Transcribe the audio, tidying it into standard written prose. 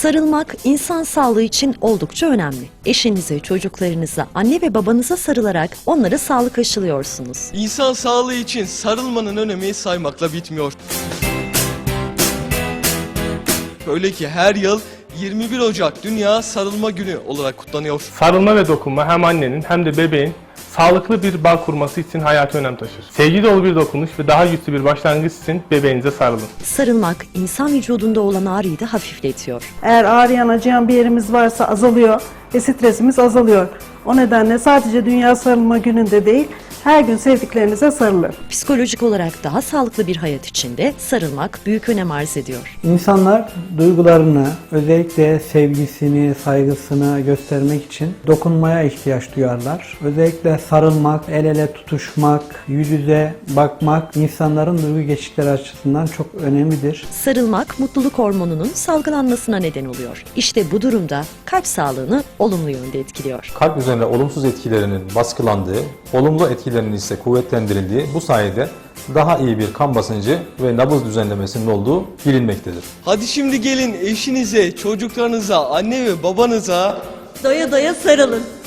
Sarılmak insan sağlığı için oldukça önemli. Eşinize, çocuklarınıza, anne ve babanıza sarılarak onlara sağlık aşılıyorsunuz. İnsan sağlığı için sarılmanın önemi saymakla bitmiyor. Öyle ki her yıl 21 Ocak Dünya Sarılma Günü olarak kutlanıyor. Sarılma ve dokunma hem annenin hem de bebeğin sağlıklı bir bağ kurması için hayati önem taşır. Sevgi dolu bir dokunuş ve daha güçlü bir başlangıç için bebeğinize sarılın. Sarılmak insan vücudunda olan ağrıyı da hafifletiyor. Eğer ağrıyan, acıyan bir yerimiz varsa azalıyor ve stresimiz azalıyor. O nedenle sadece Dünya Sarılma Günü'nde değil, her gün sevdiklerinize sarılın. Psikolojik olarak daha sağlıklı bir hayat içinde sarılmak büyük önem arz ediyor. İnsanlar duygularını, özellikle sevgisini, saygısını göstermek için dokunmaya ihtiyaç duyarlar. Özellikle sarılmak, el ele tutuşmak, yüz yüze bakmak insanların duygu geçişleri açısından çok önemlidir. Sarılmak mutluluk hormonunun salgılanmasına neden oluyor. İşte bu durumda kalp sağlığını olumlu yönde etkiliyor. Kalp üzerine olumsuz etkilerinin baskılandığı, olumlu etkilerinin ise kuvvetlendirildiği, bu sayede daha iyi bir kan basıncı ve nabız düzenlemesinin olduğu bilinmektedir. Hadi şimdi gelin eşinize, çocuklarınıza, anne ve babanıza Doya doya sarılın.